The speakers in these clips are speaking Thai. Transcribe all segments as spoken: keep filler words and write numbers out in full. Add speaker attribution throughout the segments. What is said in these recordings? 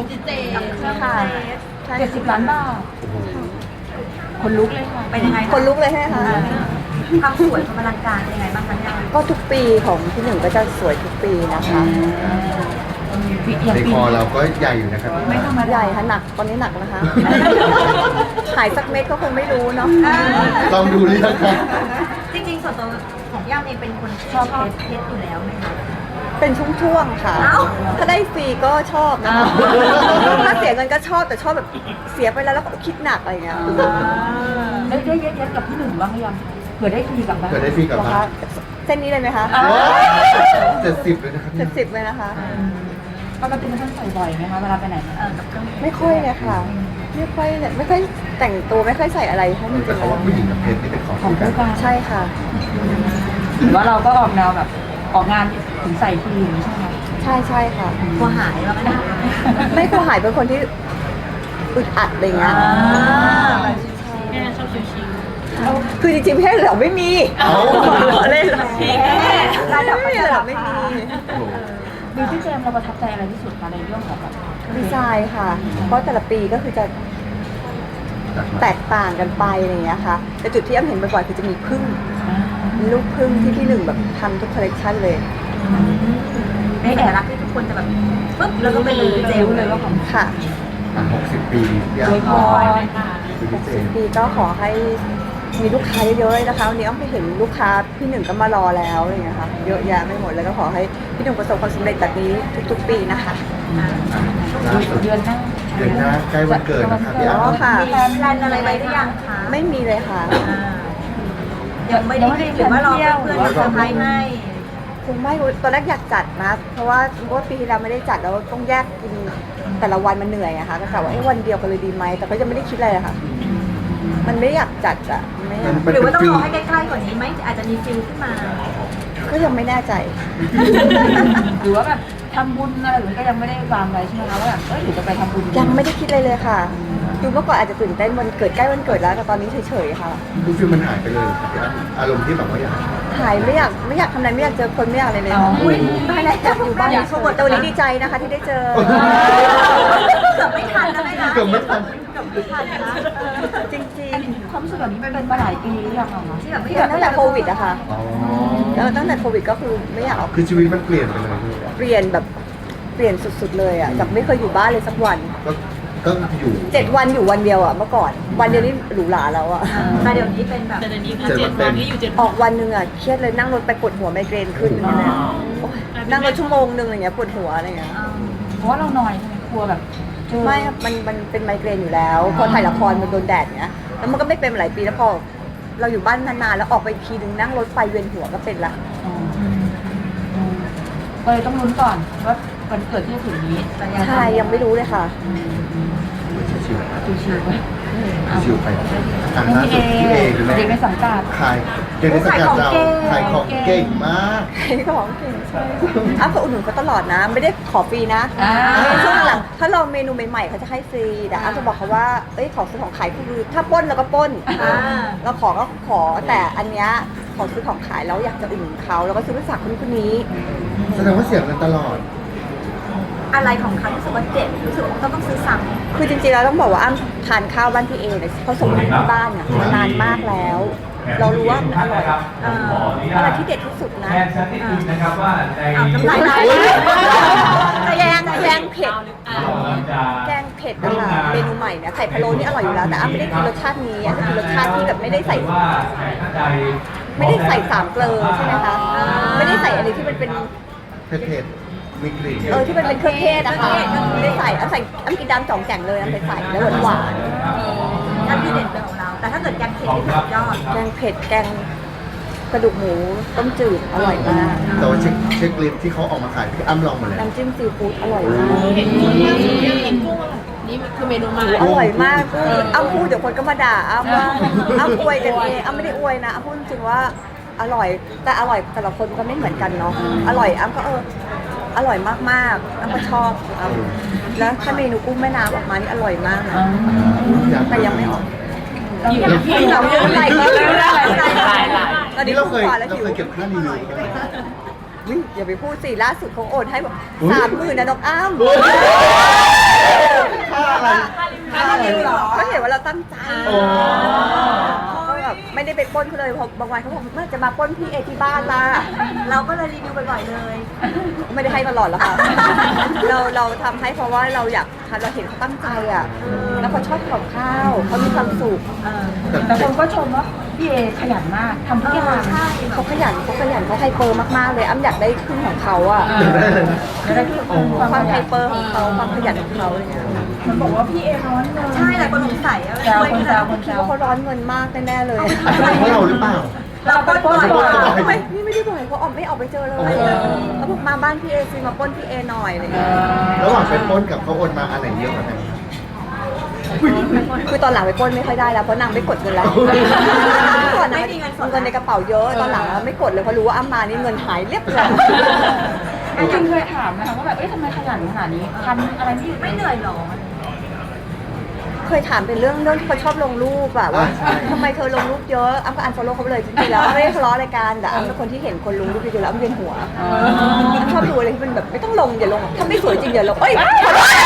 Speaker 1: ดิจิเจกับเค
Speaker 2: ใช่
Speaker 1: รื่อง
Speaker 2: ค่ะ
Speaker 1: เทส
Speaker 2: ใช่
Speaker 3: เจ็ดสิบล้านบาทคนลุกเลยค่ะ
Speaker 1: เป็นยังไง
Speaker 2: คนลุกเลยใช่ไหมคะ
Speaker 1: ความสวยความอลังการเป็นยังไงบ้างคะเนี่ย
Speaker 2: ก็ทุกปีของพี่หนึ่งก็จะสวยทุกปีนะคะ
Speaker 3: อย่าง
Speaker 4: ใน
Speaker 3: ปี
Speaker 4: คอเราก็ใหญ่อยู่นะครับ
Speaker 3: ไม่ธรรม
Speaker 2: ให
Speaker 3: ดา
Speaker 2: ญ่ค่ะหนักตอนนี้หนักนะคะ หายสักเม็ดก็คงไม่รู้เนาะ
Speaker 4: ลองดูหรือยังครับ
Speaker 1: จริงๆส่วนตัวของย่าเองเป็นคนชอบเพชรอยู่แล้วไหมคะ
Speaker 2: เป็นช่วงๆค่ะ
Speaker 1: เอ้า
Speaker 2: ถ้าได้ฟรีก็ชอบนะคะถ้าเสียเงินก็ชอบแต่ชอบแบบเสียไปแล้วแล้วก็คิดหนักอะไรอย่างเงี้ย
Speaker 3: ได้ได้เย็ดๆกับพี่หนึ่งบ้างหรือยังเผื่อได้ฟรีกลับบ้าน
Speaker 4: เกิดได้ฟรีกลับ
Speaker 2: เหรอ
Speaker 4: มา
Speaker 2: คะเส้นนี้เลยไหมคะ
Speaker 4: เจ็ดสิบเลยนะครับ
Speaker 2: เจ็ดสิบเลยนะคะ
Speaker 3: ปกติมันต้องใส่บ่อยไหมคะเวลาไปไหนมา
Speaker 1: เออกับเครื่อง
Speaker 2: ไม่ค่อยเลยค่ะ ไม่ค่อยเลยไม่ค่อยแต่งตัวไม่ค่อยใส่อะไรให้มัน
Speaker 4: แต่
Speaker 2: เป็น
Speaker 4: เขาว่าผู้หญิงกับเพชรนี่เป็นของ
Speaker 3: ของ
Speaker 4: คู่กั
Speaker 3: คู่
Speaker 4: น
Speaker 3: กัน
Speaker 2: ใช่ค่ะ
Speaker 3: หรือว่าเราก็ออกแนวแบบออกงานถึงใส่ทีอย่างนี้ใช่ไหม
Speaker 2: ใช่ใช่ค่ะ
Speaker 1: กลัวหายว่าไม่ได้
Speaker 2: ไม่กลัวหายเป็นคนที่อึดอัดอะไรเงี้ย
Speaker 1: แม่ชอบชิว
Speaker 2: คือจริงๆเพศเหรอไม่มี
Speaker 4: เอ้า
Speaker 2: เล่นเหรอ
Speaker 1: ๆระดับ
Speaker 2: ไม่มีเหรอไม่มี
Speaker 4: โอ้โห
Speaker 3: บิวตี้เจมเราประทับใจอะไรที่สุดคะในเรื่องของแบบ
Speaker 2: ดีไซน์ค่ะ เพราะแต่ละปีก็คือจะแตกต่างกันไปอะไรเงี้ยค่ะ แต่จุดที่อ้ำเห็นบ่อยๆคือจะมีพึ่งมีลูกพึ่งที่พี่หนึ่งแบบทำทุกคอลเลกชันเลย
Speaker 1: ในเอกลักษณ์ที่ทุกคนจะแบบปึ๊บแล้วก็เป็นเลยเจลเลยว่าของ
Speaker 2: ค่ะ
Speaker 4: อ่ะหกสิบปีพี่
Speaker 3: สวยพ
Speaker 4: อ้ำ
Speaker 3: อย
Speaker 4: ดูพิเศษ
Speaker 2: ปีก็ขอให้มีลูกค้าเยอะๆเลยนะคะวันนี้อ้อมไปเห็นลูกค้าพี่หนึ่งก็มารอแล้วอะไรเงี้ยค่ะเยอะแยะไม่หมดแล้วก็ขอให้พี่หนึ่งประสบความสำเร็จแบบนี้ทุกๆ ปีนะคะ
Speaker 4: ล่าสุด
Speaker 3: เดือนหน้า
Speaker 4: เดือนหน้าใกล้วันเกิดนะครับพี่
Speaker 2: อ๋อ
Speaker 4: อ้ำ
Speaker 2: ค่ะ
Speaker 1: มีแพลนอะไรไว้หรือยังคะ
Speaker 2: ไม่มีเลยค่ะ
Speaker 1: อ่ายังไม่ได้หรือว่ารอเพื่อนๆมาเซอร์ไพรส์ให้
Speaker 2: คงไม่ตอนแรกอยากจัดนะ เพราะว่าเพราะว่าปีที่แล้วไม่ได้จัดแล้วต้องแยกกินแต่ละวันมันเหนื่อยอะค่ะก็กะว่าไอ้วันเดียวกันเลยดีไหมแต่ก็ยังไม่ได้คิดอะไรเลยค่ะ มันไม่อยากจัดอะไม่อยาก
Speaker 4: มัน
Speaker 1: หรือว่าต้อง
Speaker 4: ฟิ
Speaker 1: ร
Speaker 4: ล
Speaker 1: อให้ใกล้ๆกว่านี้ไหมอาจจะมีฟิลขึ้นมา
Speaker 2: ก็ยังไม่แน่ใจ
Speaker 3: หรือว่าแบบทำบุญอะไรหรือก็ยังไม่ได้วางไว้ใช่ไหมคะว่าแบบเอ้ยหรือจะไปทำบุญ
Speaker 2: ยังไม่ได้คิดเลยเลยค่ะคือเมื่อก่อนอาจจะตื่นเต้นวันเกิดใกล้วันเกิดแล้วแต่ตอนนี้เฉยๆค่ะ
Speaker 4: คือฟิลมันหายไปเลยครับพี่อ้ำอารมณ์ที่แบบว่าอยาก
Speaker 2: หายไม่อยากไม่อยากทำอะไรไม่อยากเจอคนไม่อยากอะไรเลย
Speaker 3: อ๋อ
Speaker 1: อุ้ยตายแล้ว
Speaker 2: อยากอยู่บ้าน
Speaker 1: อยาก
Speaker 2: เฉยๆแต่วันนี้ดีใจนะคะที่ได้เจอ
Speaker 1: เกือบไม่ทันแล้วไหมคะ
Speaker 4: เกือบไม่ทัน
Speaker 1: เกือบไม่ทันนะ
Speaker 2: จริง
Speaker 3: ความรู้สึกแบบนี้เป็นมาหลายปีหรือยังอะคะ
Speaker 1: ที่แบบ
Speaker 2: ๆ
Speaker 1: ไม่
Speaker 2: ที่
Speaker 1: อยาก
Speaker 2: ตั้งแต่โควิดอะค่ะ
Speaker 4: อ๋อ
Speaker 2: แล้วตั้งแต่โควิดก็คือไม่อยากออก
Speaker 4: คือชีวิตมันเปลี่ยนไปเลยพี่
Speaker 2: เปลี่ยนแบบเปลี่ยนสุดๆเลยอะจากไม่เคยอยู่บ้านเลยสักวัน
Speaker 4: ก็ก็อยู่
Speaker 2: เจ็ดวันอยู่วันเดียวอะเมื่อก่อน วันเดียวนี่หรูหราแล้วอะ
Speaker 1: แต่เดี๋ยวนี้เป็นแบบ
Speaker 5: แต่เดี๋ยวนี้
Speaker 4: เจ็ดวันเต็ม
Speaker 2: ออกวันหนึ่งอะเครียดเลยนั่งรถไปปวดหัวไมเกรนขึ้นอะไรเลยโอ๊ยนั่งรถชั่วโมงหนึ่งอะไรเงี้ยปวดหัวอะไรเงี้ย
Speaker 3: เพราะว่าเรานอยใช่ไหมกลัวแบบเจอ
Speaker 2: ไม่ครับมันมันเป็นไมเกรนอยู่แล้ว พอถ่ายละครมันโดนแดดเงี้ยแล้วมันก็ไม่เป็นมาหลายปีแล้วพอเราอยู่บ้านนานๆแล้วออกไปอีกทีนึงนั่งรถไฟเวียนหัวก็เป็นละ
Speaker 3: อ๋ออืมก็เลยต้องลุ้นก่อนว่าวันเกิดที่จะถึงนี้
Speaker 2: ใช่ยังไม่รู้เลยค่ะ
Speaker 4: ชิว
Speaker 3: ชิวๆไว้
Speaker 4: ๆชิวๆไปทางล่า
Speaker 3: พี่
Speaker 4: สุดพี่
Speaker 3: เอ
Speaker 4: เอคือแม่
Speaker 3: เด็กในสังกัด
Speaker 4: ขายเด็กในสังกัดเราขายของเก่งมาก
Speaker 2: ขายของเก่งใช่อ้าวก็อุดหนุนเขาตลอดนะ ไม่ได้ขอฟรีนะ
Speaker 3: อ่า
Speaker 2: ช่วงหลังถ้าลองเมนูใหม่ๆเขาจะให้ฟรีแต่อ้าวจะบอกเขาว่าเอ้ยของซื้อของขายคือถ้าปล้นเราก็ปล้น
Speaker 1: อ่า
Speaker 2: เราขอก็ขอแต่อันเนี้ยของซื้อของขายแล้วอยากจะอุดหนุนเขาแล้วก็ซื้อไปฝากคนคนนี้
Speaker 4: แสดงว่าเสียเงินตลอด
Speaker 1: อะไรของเขารู้สึกว่าเจ็บรู้สึกว่าต้องต้องซื้อซ้ำ
Speaker 2: คือจริงๆแล้วต้องบอกว่าอ้ำทานข้าวบ้านพี่เอเนี่ยเขาส่งมาที่บ้านเนี่ยมานานมากแล้ว เรารู้ว่ามันอร่อย
Speaker 1: เออ
Speaker 2: อะไรที่เด็ดที่สุดนะ
Speaker 6: แจ้งสักนิดนึงนะครับว่าใน
Speaker 1: เอาน้ำลายไหล
Speaker 2: แกงแกงเผ็ด
Speaker 6: เราจะ
Speaker 2: แกงเผ็ดนะคะเมนูใหม่เนี่ยไข่พะโล้นี่อร่อยอยู่แล้วแต่อ้ำไม่ได้กินรสชาตินี้อ้ำจะกินรสชาติที่แบบไม่ได้ใส่
Speaker 6: ว่าใครท่านใด
Speaker 2: ไม่ได้ใส่สามเกลือใช่ไหมคะไม่ได้ใส่อะไรที่มันเป็น
Speaker 4: เผ็ดๆมีกลิ่น
Speaker 2: เออที่มันเป็นเครื่องเทศอะค่ะไม่ได้ใส่อ้ำใส่อ้ำกินดำจ่องแจ่งเลยอ้ำไปใส่แล้วหวาน
Speaker 1: นั่นที่เด็ดเป็นของเรา แต่ถ้าเกิดแกงเผ็ดนี่สุดยอด
Speaker 2: ๆแกงเผ็ดแกงกระดูกหมูต้มจืดอร่อยมาก
Speaker 4: แต่ว่าเช็คเช็คลิสต์ที่เขาออกมาขายพี่อ้ำลองหมดแล้ว
Speaker 2: น้ำจิ้มซีฟู้ดอร่อยมาก
Speaker 5: เห็นกุ้งล่าสุดที่เห็นกุ้งอะนี่คือเมนูใหม่
Speaker 2: อร่อยมากอ้ำพูดเดี๋ยวคนก็มาด่าอ้ำว่าอ้ำอวยกันเองอ้ำไม่ได้อวยนะอ้ำพูดจริงว่าอร่อยแต่อร่อยแต่ละคนก็ไม่เหมือนกันเนาะอร่อยอ้ำก็เอออร่อยมากๆอ้ำก็ชอบอ้ำแล้วถ้าเมนูกุ้งแม่น้ำออกมานี่อร่อยมากนะแต่ยังไม่ออก
Speaker 3: เราเก็บ
Speaker 2: พี่เราเยอะอะไรก็ไม่ได้ตอนนี้
Speaker 4: นี่เราเคย
Speaker 2: กว่าแล้ว
Speaker 4: เรา
Speaker 2: หิว
Speaker 4: เคยเก็บค่ารีวิวใช่ไหม
Speaker 2: อุ๊ยอย่าไปพูดสิล่าสุดเขาโอนให้แบบ
Speaker 4: อุ๊ย
Speaker 2: สามหมื่นนะน้องอ้ำค่ารีวิวเหรอเขาเห็นว่าเราตั้งใจ
Speaker 4: โอ้
Speaker 2: ก็แบบไม่ได้ไปปล้นเขาเลยเพราะบางวันเขาบอกเมื่อจะมาปล้นพี่เอที่บ้านล่ะ
Speaker 1: เราก็เลยรีวิวบ่อยๆเลย
Speaker 2: ไม่ได้ให้ตลอดหรอกค่ะ เราเราทำให้เพราะว่าเราอยากเราเห็นเขาตั้งใจอ่ะแล้วเขาชอบทำกับข้าวเขามีความสุข
Speaker 3: แต่คนก็ชมว่าพี่เอขยันมากทำทุกอย่าง
Speaker 1: ใช่
Speaker 2: เขาขยันเขาขยันเขาไฮเปอร์มากๆเลยอ้ำอยากได้ขึ้นของเขาอ่ะ
Speaker 3: จะได้ที่ความ
Speaker 2: ความ
Speaker 3: ข
Speaker 2: ไฮ
Speaker 3: ยัน
Speaker 2: เปอร์ของเขาความขยันของเขาอะไรเงี้ย
Speaker 3: มันบอกว่าพี่เอร้อนเงิน
Speaker 1: ใช่หลายคนสงสัยอะ
Speaker 3: แซวคนแซวคน
Speaker 2: คิ
Speaker 3: แซ
Speaker 2: ด
Speaker 3: ว
Speaker 2: ว่าเขาร้อนเงินมากแน่ๆเลย
Speaker 4: เพราะเราหรือเปล่า
Speaker 1: เราปล้นบ่อย
Speaker 2: ทำไมพี่ไม่ได้บ่อยเขาออกไม่ออกไปเจอเลยเขาบอกมาบ้านพี่เอซีมาปล้นพี่เอหน่อยอะไรเงี้ย
Speaker 4: ระหว่างเป็นปล้นกับเขาโอนมาอันไหนเยอะกว่ากัน
Speaker 2: คือตอนหลังไปปล้นไม่ค่อยได้แล้วเพราะนางไม่กดเงินแล้วก่อนนะ
Speaker 1: ไม่มีเงินสด
Speaker 2: เงินในกระเป๋าเยอะตอนหลังไม่กดเลยเพราะรู้ว่าอ้ำมานี่เงินหายเรียบเลย
Speaker 3: จริงๆเคยถามนะคะว่าแบบเอ้ยทำไมขยันขนาดนี้ทำอะไรที่
Speaker 1: ไม่เหนื่อยหรอ
Speaker 2: เคยถามเป็นเรื่องเรื่องที่เขาชอบลงรูปอะว่าทำไมเธอลงรูปเยอะอ้ำก็อันฟอลโล่เขาไปเลยจริงๆแล้วไม่ได้ทะเลาะอะไรกันแต่อ้ำเป็นคนที่เห็นคนลงรูปเยอะๆแล้วอ้ำเวียนหัวอ้ำชอบดูอะไรที่มันแบบไม่ต้องลงอย่าลงถ้าไม่สวยจริงอย่าลงเอ้ยขอโทษ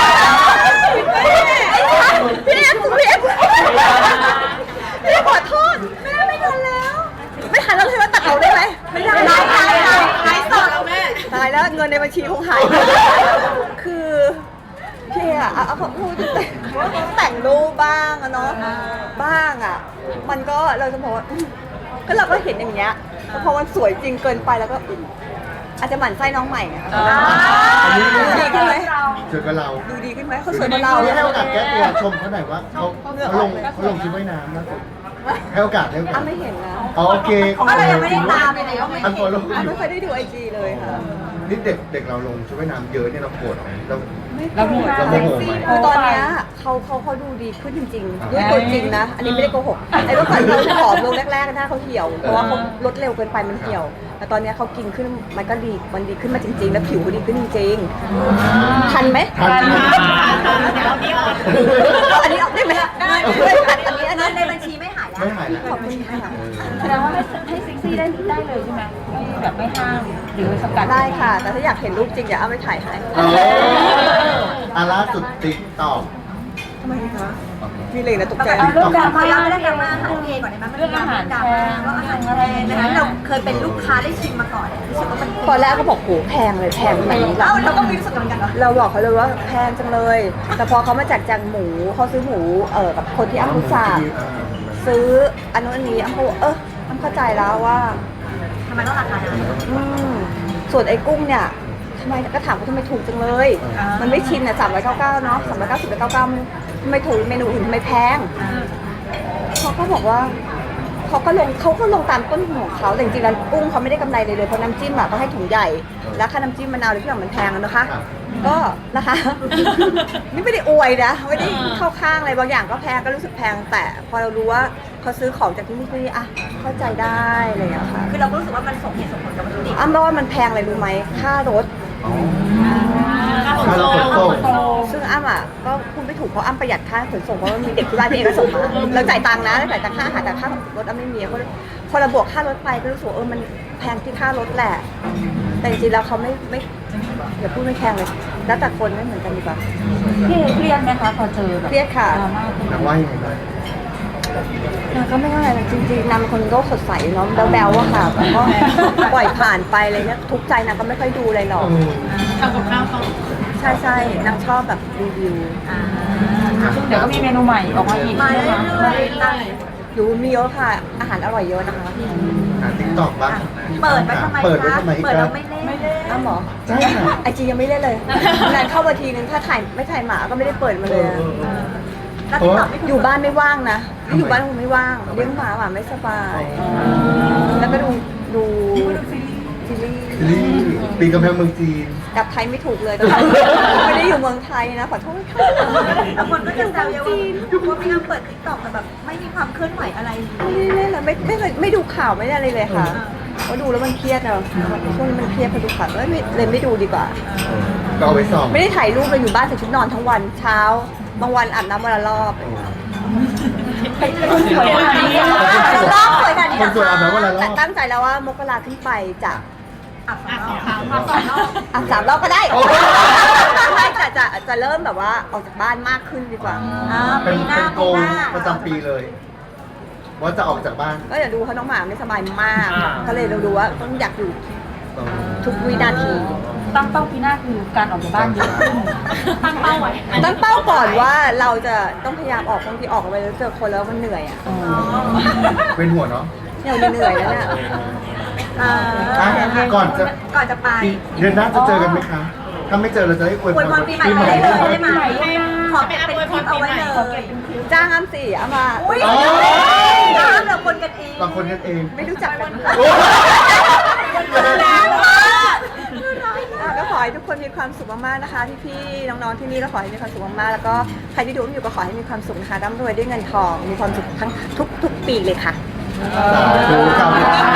Speaker 2: พี่เอ็มพี่เอ็มพี่ขอโทษแม่ไม่ทันแล้ว ไม่ทันแล้วเลยว่าตัดเอาได้ไหมไม่ได้
Speaker 1: ได้ได้ได้ไลฟ์สดแล้วแม่
Speaker 2: ตายแล้วเงินในบัญชีคงหาย คือพี่อะเอาเอาพูดแต่แต่งรูปบ้างอะเนาะบ้างอะมันก็เราจะบอกว่าอืมก็เราก็เห็นอย่างเงี้ยพอมันสวยจริงเกินไปแล้วก็อืมอาจจะหมั่นไส้น้องใหม่ไงดูดีขึ้นไหม
Speaker 4: เจอกับเรา
Speaker 2: ดูดีขึ้นไหมเขาสวยกว่าเรา
Speaker 4: เราให้โอกาสแก้ตัวชมเขาหน่อยว่าเขาเขาลงเขาลงชุดว่ายน้ำนะให้โอกาสให้โอกา
Speaker 2: อ้า
Speaker 4: ส
Speaker 2: ไม่เห็นนะ
Speaker 4: อ๋อโอเค
Speaker 1: ก็เลยยังไม่ได้ตามเลยก็ไม่
Speaker 4: อันฟอลโล่
Speaker 2: อ้าไม่เคยได้ดูไอจีเลยค่ะ
Speaker 4: นี่เด็กเด็กเราลงชุดว่ายน้ำเยอะเนี่ยเราโกรธไหมเรา
Speaker 3: เรามี
Speaker 4: เราโมโหไหม
Speaker 2: คือตอนเนี้ยเขาเขาเขาดูดีขึ้นจริงๆด้วยตัวจริงนะ อันนี้ไม่ได้โกหกไอ้เมื่อก่อนเขาผอมลงแรกๆหน้าเขาเหี่ยวเพราะว่าเขาลดเร็วเกินไปมันเหี่ยว แต่ตอนเนี้ยเขากินขึ้นมันก็ดีมันดีขึ้นมาจริง ๆ แล้วผิวเขาดีขึ้นจริงๆทันไหม
Speaker 4: ทัน
Speaker 2: อันนี้ออกได้ไหมได้ไม่ทันอันนี้อัน
Speaker 1: เงิ
Speaker 2: นี้
Speaker 1: นในบัญชีไม่หายแล้ว
Speaker 4: ไม่หายแล้ว
Speaker 2: ขอบคุณค่ะ
Speaker 3: แสดงว่าให้ให้เซ็กซี่ได้ได้เลยใช่ไหมไม่แบบไม่ห้ามหรือสกัด
Speaker 2: ได้ค่ะ แต่ถ้าอยากเห็นรูปจริงเดี๋ยวเอาไปถ่ายให้
Speaker 4: เอออาล่าสุดติ๊กตอก
Speaker 2: ทำไมคะมีเลยนะตกใจ
Speaker 3: เอาเรื่องดราม่า
Speaker 1: เราไม่ได้ดราม่าอาหารเองก่อนได้ไหมมันมีดราม่าดราม่าว่าอาหารแพงนะคะเราเคยเป็นลูกค้าได้ชิมมาก่อนรู้สึกว่ามัน
Speaker 2: ตอนแรกก็บอกโหแพงเลยแพงแบบนี้
Speaker 1: เอ้าเราก็มีรู้สึกเหมือนกันเหรอ
Speaker 2: เราบอกเขาเลยว่าแพงจังเลย แต่พอเขามาจากจังหมูเขาซื้อหมูเออกับคนที่อ้ำรู้จักซื้ออันนู้นอันนี้อ้ำก็เอออ้ำเข้าใจแล้วว่า
Speaker 1: ทำไมต้องราคานั้น
Speaker 2: อืมส่วนไอ้กุ้งเนี่ยทำไมก็ถามว่าทำไมถูกจังเลย มันไม่ชินอ่ะสามร้อยเก้าเก้าเนาะสามร้อยเก้าสิบเก้าเก้าทำไมถูกเมนูอื่นทำไมแพงเขาก็บอกว่าเขาก็ลงเขาก็ลงตามต้นทุนของเขาแต่จริงๆแล้วกุ้งเขาไม่ได้กำไรเลยเลยเพราะน้ำจิ้มอ่ะต้องให้ถุงใหญ่แล้วค่าน้ำจิ้มมะนาวหรือที่อย่างมันแพงอะนะคะ ก็นะคะ นี่ไม่ได้อวยนะไม่ได้เข้าข้างอะไรบางอย่างก็แพงก็รู้สึกแพงแต่พอเรารู้ว่าเขาซื้อของจากที่นี่ที่นี่อ่ะเข้าใจได้อะไรอย่างเงี้ยค่ะ
Speaker 1: คือเราก็รู้สึกว่ามันสมเหตุสมผลกับวัตถุดิบ
Speaker 2: อ้ำว่ามันแพงอะไรรู้ไหมค่ารถ
Speaker 4: ค่าเราขนส่ง
Speaker 2: ซึ่งอ้ำอ่ะก็พูดไม่ถูกเพราะอ้ำประหยัดค่าขนส่งเพราะว่ามีเด็กที่บ้านพี่เองก็ส่งมาแล้วจ่ายตังค์นะแล้วจ่ายตังค่าอาหารแต่ค่ารถอ้ำไม่มีเพราะพอเราบวกค่ารถไปก็รู้สึกว่าเออมันแพงที่ค่ารถแหละ แต่จริงๆแล้วเขาไม่ไม่อย่าพูดไม่แพงเลย แล้วแต่คนไม่เหมือนกันดีกว่า
Speaker 3: พี่เครียดไหมคะพอเจอแบบ
Speaker 2: เครียดค่ะ
Speaker 3: ดราม่า
Speaker 4: นางว่ายังไงบ้าง
Speaker 2: นางก็ไม่เท่าไหร่นะจริงๆนางเป็นคนโลกสดใสเนาะแบ๊วๆอะค่ะแล้วก็ปล่อยผ่านไปอะไรเลยเนี่ยทุกข์ใจนางก็ไม่ค่อยดูอะไรหรอก
Speaker 5: ทำกับข้าวเขา
Speaker 2: ใช่ใช่ๆนางชอบแบบรีวิว
Speaker 3: ซึ่งเดี๋ยวก็มีเมนูใหม่ออกมาอีก
Speaker 1: มา
Speaker 3: ใช่
Speaker 1: เรื่
Speaker 3: ไหม
Speaker 1: อยๆตาม
Speaker 2: อยู่มีเยอะค่ะ อาหารอร่อยเยอะนะคะ
Speaker 4: หาติ๊กตอกบ้าง
Speaker 1: เปิดไว้ทำไม
Speaker 4: เปิดไว้
Speaker 1: คะ
Speaker 4: ทำไมอีก
Speaker 1: เปิด
Speaker 4: ครั
Speaker 1: เรา
Speaker 4: บ
Speaker 1: ไม่เล่น
Speaker 2: อ้าวเหรอ
Speaker 4: ใช่ค่ะ
Speaker 2: ไอจียังไม่เล่นเลยนานเข้ามาทีนึงถ้าถ่ายไม่ถ่ายหมาก็ไม่ได้เปิดมาเลยอะ
Speaker 1: แล้วติ๊กต็อกไม่
Speaker 2: อยู่บ้านไม่ว่างนะอยู่บ้านคงไม่ว่างเลี้ยงหมาหมาไม่สบาย แล้วก็ดูดูซีรีส์
Speaker 4: ซีรีส์ปีกำแพงเมืองจีน
Speaker 2: กลับไทยไม่ถูกเลยตอนนี้ไม่ได้อยู่เมืองไทยนะขอโทษค่ะ
Speaker 1: บางคนก็จะแซวเยอะว่าว่าพี่อ้ำเปิดติ๊กต็อกแต่แบบไม่มีความเคลื่อนไหวอะไร
Speaker 2: ไม่ได้เล่นเลยไม่ไม่เคยไม่ดูข่าวไม่ได้อะไรเลยค่ะเพราะดูแล้วมันเครียดเนาะช่วงนี้มันเครียดพอดูข่าวเลยไม่เลยไม่ดูดีกว่า
Speaker 4: ก็เอาไว้ส่อง
Speaker 2: ไม่ได้ถ่ายรูปเลยอยู่บ้านใส่ชุดนอนทั้งวันเช้า บางวันอาบน้ำวันละรอบ
Speaker 3: คนสวยขนาดนี้
Speaker 2: รอบสวยขนาดนี้
Speaker 4: คนสวยอาบน้ำวันละร
Speaker 2: แต่
Speaker 4: อบ
Speaker 2: ตั้งใจแล้วว่ามกราขึ้นไปจะ
Speaker 1: อ่ะสองรอบ
Speaker 5: มาสองรอบ
Speaker 2: อาบสามรอบก็ได้
Speaker 4: โอ้
Speaker 2: ไม่จะจะจะจะเริ่มแบบว่าออกจากบ้านมากขึ้นดีกว่า
Speaker 1: อ่า
Speaker 4: เป็น
Speaker 1: ปีหน้า
Speaker 4: เป็นโก
Speaker 1: ปี
Speaker 4: ล
Speaker 1: หน้า
Speaker 4: ประจำปีเลย ว่าจะออกจากบ้าน
Speaker 2: ก็อย่าดูเขาน้องหมาไม่สบายมาก
Speaker 7: อ่า
Speaker 2: ก็เลยเราดูว่าต้องอยากอยู่ทุกวินาที
Speaker 3: ตั้งเป้าปีหน้าคือการออกจากบ้านเยอะขึ้น
Speaker 5: ตั้งเป้าไว้
Speaker 2: ตั้งเป้าก่อนว่าเราจะต้องพยายามออกบางทีออกไปแล้วเจอคนแล้วมันเหนื่อยอ่ะ
Speaker 4: เป็นหัวเนาะ
Speaker 2: เหนื่อยเหนื่อยแล้วเนี่ย
Speaker 1: อ่า
Speaker 4: อ่ะก่อนจะ
Speaker 1: ก่อนจะไป
Speaker 4: ปีเดือนหน้าจะเจอกันไหมคะ ถ้าไม่เจอเราจะได้อวย
Speaker 1: อวยพรปีใหม่ไปได้เลยได้ไหมขอเป็นคลิปเอาไว้เลย
Speaker 2: จ้างอ้ำสี่อ้ำมา
Speaker 1: อุ้ย
Speaker 4: โอ้
Speaker 1: น้ำเหลือคนกันเอง
Speaker 4: บางคนกันเอง
Speaker 2: ไม่รู้จักกัน
Speaker 4: โอ้ย
Speaker 1: แรงมาก
Speaker 2: อ่ะก็ขอให้ทุกคนมีความสุขมากๆนะคะพี่ๆน้องๆที่นี่ก็ขอให้มีความสุขมากๆแล้วก็ใครที่ดูอยู่ก็ขอให้มีความสุขนะคะร่ำรวยด้วยเงินทองมีความสุขทั้งทุกๆปีเลยค่ะ
Speaker 4: สาธุครับ